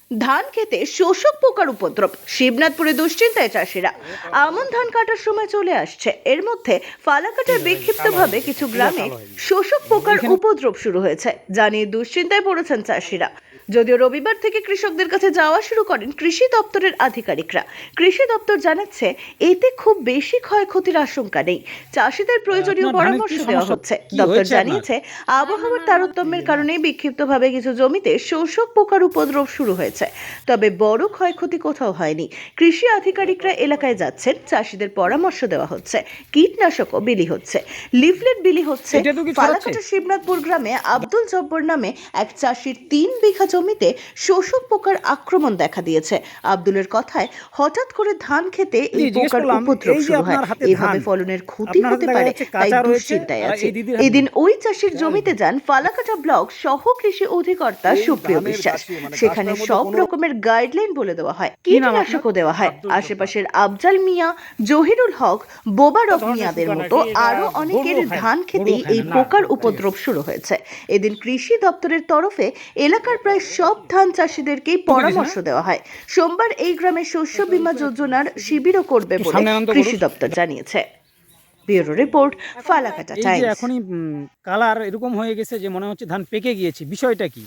ধান খেতে শোষক পোকার উপদ্রব, শিবনাথপুরে দুশ্চিন্তায় চাষিরা। আমন ধান কাটার সময় চলে আসছে, এর মধ্যে ফালাকাটায় বিক্ষিপ্তভাবে কিছু গ্রামে শোষক পোকার উপদ্রব শুরু হয়েছে, জানিয়ে দুশ্চিন্তায় পড়েছেন চাষিরা। যদিও রবিবার থেকে কৃষকদের কাছে যাওয়া শুরু করেন কৃষি দপ্তরের আধিকারিকরা। কৃষি দপ্তর জানাচ্ছে এতে খুব বেশি ক্ষয়ক্ষতির আশঙ্কা নেই, চাষিদের প্রয়োজনীয় পরামর্শ দেওয়া হচ্ছে। দপ্তর জানিয়েছে আবহাওয়ার তারতম্যের কারণে বিক্ষিপ্তভাবে কিছু জমিতে শোষক পোকার উপদ্রব শুরু হয়েছে, তবে বড় ক্ষয়ক্ষতি কোথাও হয়নি। কৃষি আধিকারিকরা এলাকায় যাচ্ছেন, চাষিদের পরামর্শ দেওয়া হচ্ছে, কীটনাশকও বিলি হচ্ছে, লিফলেট বিলি হচ্ছে। ফালাকাটা শিবনাথপুর গ্রামে আব্দুল জব্বর নামে এক চাষির 3 বিঘা জমিতে শোষক পোকার আক্রমণ দেখা দিয়েছে। আব্দুলের কথায় হঠাৎ করে ধান খেতে এই পোকার উপদ্রব শুরু হয়, এভাবে ফলনের ক্ষতি হতে পারে, তাই দুশ্চিন্তায় আছে। এদিন ওই চাষির জমিতে যান ফালাকাটা ব্লক সহ কৃষি অধিকর্তা সুপ্রিয় বিশ্বাস। সেখানে সব রকমের গাইডলাইন বলে দেওয়া হয়, কীটনাশকও দেওয়া হয়। আশেপাশের আফজাল মিয়া, জহিরুল হক, বোবারক মিয়াদের মতো আরো অনেকের ধান খেতে এই পোকার উপদ্রব শুরু হয়েছে। এদিন কৃষি দপ্তরের তরফে এলাকার প্রায় সব ধান চাষিদেরকেই পরামর্শ দেওয়া হয়। সোমবার এই গ্রামে শস্য বীমা যোজনার শিবিরও করবে বলে কৃষি দপ্তর জানিয়েছে। Bureau report, Falakata times. এখনই কালার এরকম হয়ে গেছে যে মনে হচ্ছে ধান পেকে গিয়েছে, বিষয়টা কি?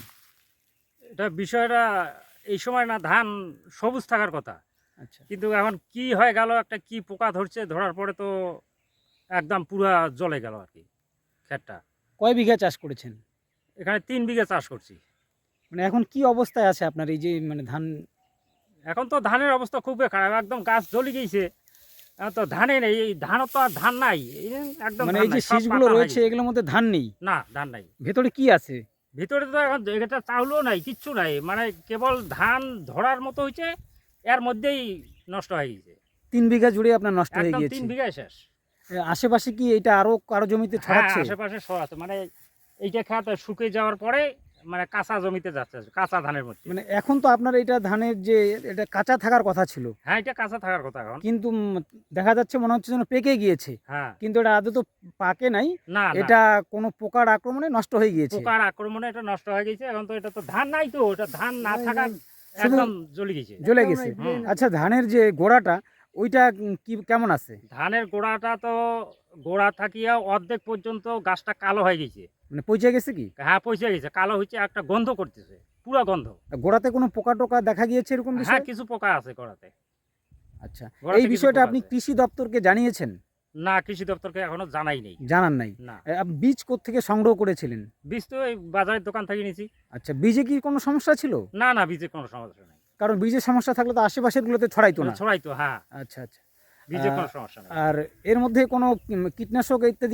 বিষয়টা এই সময় না ধান সবুজ থাকার কথা, আচ্ছা, কিন্তু এখন কি হয়ে গেল, একটা কি পোকা ধরছে, ধরার পরে তো একদম পুরা জ্বলে গেল আর কি ক্ষেতটা। কয় বিঘা চাষ করেছেন? এখানে 3 বিঘা চাষ করছি। মানে এখন কি অবস্থায় আছে আপনার এই যে মানে ধান? এখন তো ধানের অবস্থা খুবই খারাপ, একদম গাছ জ্বলে গিয়েছে। এখন তো ধানে নেই, এই ধানও তো আর ধান নাই, একদম মানে ধান এই যে নাই, সব শীষগুলো পাতা রয়েছে হয়ে এগুলোর মধ্যে ধান নেই, গেছে। না, ধান নাই। ভেতরে কি আছে? ভিতরে তো এখন এটা চাউলও নাই, কিচ্ছু নাই, মানে কেবল ধান ধরার মতো হয়েছে, এর মধ্যেই নষ্ট হয়ে গেছে। 3 বিঘা জুড়ে আপনার নষ্ট হয়ে একদম গিয়েছে। 3 বিঘায় শেষ। আশেপাশে কি এটা আরো কারো জমিতে হ্যাঁ, ছড়াচ্ছে? আশেপাশে ছড়াচ্ছে, মানে এইটা খেত শুকিয়ে যাওয়ার পরে মানে কাঁচা জমিতে যাচ্ছে, কাঁচা ধানের মধ্যে। মানে এখন তো আপনার এটা ধানের যে এটা কাঁচা থাকার কথা ছিল, হ্যাঁ, এটা কাঁচা থাকার কথা এখন। কিন্তু দেখা যাচ্ছে মনে হচ্ছে যেন পেকে গিয়েছে, হ্যাঁ, কিন্তু এটা আদৌ তো পাকে নাই, না, এটা কোনো পোকার আক্রমণে নষ্ট হয়ে গিয়েছে। পোকার আক্রমণে এটা নষ্ট হয়ে গেছে। এখন তো এটা তো ধান নাই, তো এটা ধান না থাকার শুধু একদম জ্বলে গেছে। জ্বলে গেছে। আচ্ছা, ধানের যে গোড়াটা ওইটা কি কেমন আছে? ধানের গোড়াটা তো গোড়া থাকিয়া অর্ধেক পর্যন্ত গাছটা কালো হয়ে গেছে। মানে পচে গেছে কি? হ্যাঁ, পচে গেছে, কালো হচ্ছে, একটা গন্ধ করতেছে, পুরো গন্ধ। গোড়াতে কোনো পোকা টোকা দেখা গিয়েছে এরকম হ্যাঁ, বিষয়? কিছু পোকা আছে গোড়াতে। আচ্ছা, গোড়াতে এই কিছু বিষয়টা পোকা আপনি আছে। কৃষি দপ্তরকে জানিয়েছেন? না, কৃষি দপ্তরকে এখনো জানাই নেই। জানান নাই? না, বীজ কোত্থেকে সংগ্রহ করেছিলেন? বীজ তো এই বাজারের দোকান থেকে নিয়েছি। আচ্ছা, বীজে কি কোনো সমস্যা ছিল? না, না, বীজের কোনো সমস্যা নেই। কারণ বীজের সমস্যা থাকলে তো আশেপাশের গুলোতে ছড়াইতো না। ছড়াই তো, হ্যাঁ, আচ্ছা আচ্ছা। বীজের কোনো সমস্যা নেই। আর এর মধ্যে কোনো কীটনাশক ইত্যাদি?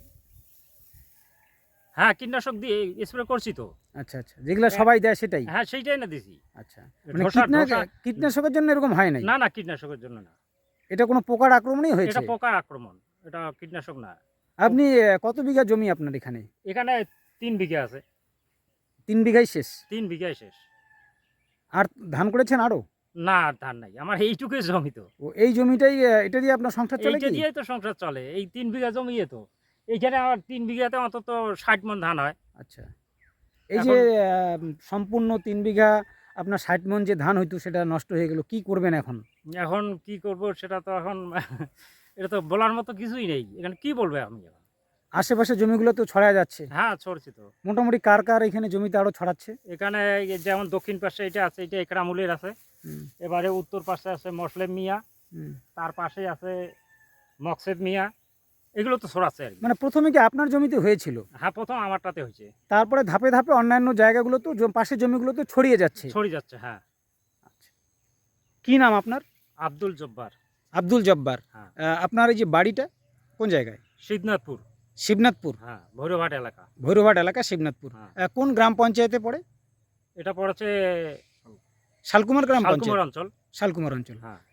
হ্যাঁ, কীটনাশক দিয়ে স্প্রে করছি তো। আচ্ছা আচ্ছা, যেগুলো সবাই দেয় সেটাই? হ্যাঁ, সেইটাই না দিছি। আচ্ছা, মানে কীটনাশকের জন্য এরকম হয় নাই? না, না, কীটনাশকের জন্য না। এটা কোনো পোকার আক্রমণই হয়েছে? এটা পোকার আক্রমণ, এটা কীটনাশক না। আপনি কত বিঘা জমি আপনার এখানে? এখানে 3 বিঘা আছে। 3 বিঘাই শেষ? 3 বিঘায় শেষ। আর ধান করেছেন আরো? না, ধান নাই, আমার এইটুকুই জমি তো। ও, এই জমিটাই এটা দিয়ে আপনার সংসার চলে এইটা কি? দিয়েই তো সংসার চলে, এই 3 বিঘা জমি তো। এইখানে আমার 3 বিঘাতে অন্তত 60 মণ ধান হয়। আচ্ছা, এই যে সম্পূর্ণ 3 বিঘা আপনার 60 মণ যে ধান হইতো সেটা নষ্ট হয়ে গেল, কি করবেন এখন? এখন কি করব সেটা তো এখন এটা তো বলার মতো কিছুই নেই, এখানে কি বলবো আমি এখন। আশেপাশে জমিগুলো তো ছড়ায় যাচ্ছে। হ্যাঁ, ছড়ছি তো। মোটামুটি কার কার এখানে জমিতে আরো ছড়াচ্ছে? এখানে এই যেমন দক্ষিণ পাশে এটা আছে, এটা একরামুলের আছে। এবারে উত্তর পাশে আছে মসলেম মিয়া, তার পাশে আছে মকসেদ মিয়া, এগুলো তো ছড়াচ্ছে আর কি। মানে প্রথমে কি আপনার জমিতে হয়েছিল? হ্যাঁ, প্রথম আমারটাতে হয়েছে, তারপরে ধাপে ধাপে অন্যান্য জায়গাগুলো তো পাশের জমিগুলো তো ছড়িয়ে যাচ্ছে? ছড়িয়ে যাচ্ছে, হ্যাঁ। আচ্ছা, কি নাম আপনার? আব্দুল জব্বার। আব্দুল জব্বার। হ্যাঁ। আপনার এই যে বাড়িটা কোন জায়গায়? শিবনাথপুর। শিবনাথপুর? হ্যাঁ, ভৈরবহাট এলাকা। ভৈরবহাট এলাকা, শিবনাথপুর। হ্যাঁ। কোন গ্রাম পঞ্চায়েতে পড়ে? এটা পড়েছে শালকুমার গ্রাম শালকুমার পঞ্চায়েত? অঞ্চল। শালকুমার অঞ্চল। হ্যাঁ।